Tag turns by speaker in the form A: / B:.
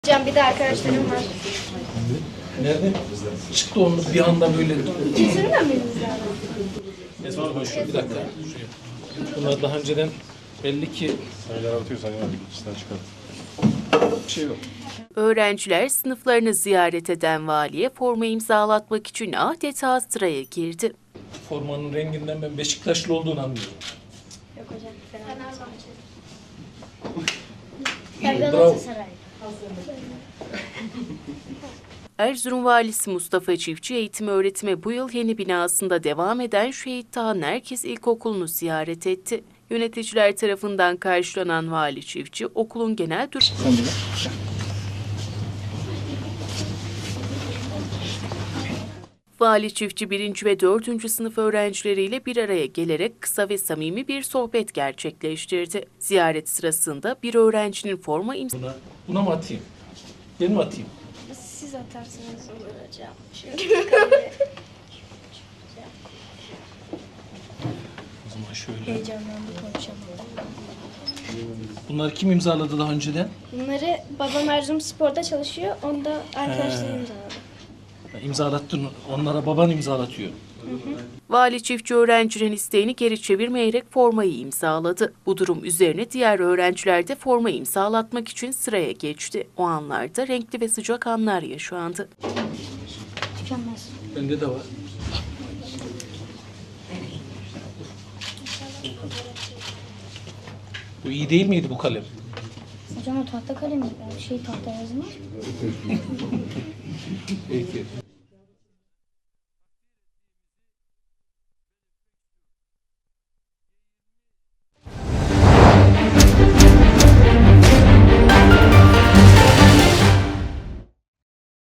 A: Hocam bir de arkadaşlarım var.
B: Nerede? Çıktı onu bir anda böyle.
A: Kesinlikle miyiz yani?
B: Esma boş ver, bir dakika. Şuraya. Bunlar daha önceden belli ki
C: yaratıyorsan ya içinden çıkar.
B: bir şey yok.
D: Öğrenciler sınıflarını ziyaret eden valiye forma imzalatmak için adeta sıraya girdi.
B: Formanın renginden ben Beşiktaşlı olduğunu anlıyorum.
A: Yok hocam. Fenerbahçe.
B: Bravo.
D: Erzurum Valisi Mustafa Çiftçi eğitim öğretime bu yıl yeni binasında devam eden Şehit Taha Nerkez İlkokulu'nu ziyaret etti. Yöneticiler tarafından karşılanan Vali Çiftçi okulun genel Vali Çiftçi 1. ve 4. sınıf öğrencileriyle bir araya gelerek kısa ve samimi bir sohbet gerçekleştirdi. Ziyaret sırasında bir öğrencinin forma
B: Buna mı atayım? Ben mi atayım?
A: Siz atarsınız olur hocam.
B: O zaman şöyle.
A: Heyecanlandı konuşamadım.
B: Bunları kim imzaladı daha önceden?
A: Bunları babam Erzurum Spor'da çalışıyor. Onu da arkadaşlarım imzaladı.
B: İmzalattın. Onlara baban imzalatıyor.
D: Vali Çiftçi öğrencinin isteğini geri çevirmeyerek formayı imzaladı. Bu durum üzerine diğer öğrenciler de forma imzalatmak için sıraya geçti. O anlarda renkli ve sıcak anlar yaşandı.
A: Tükenmez.
B: Bende de var. Bu iyi değil miydi bu kalem?
A: Hocam o tahta kalemi. Tahta yazmaz.
B: Peki.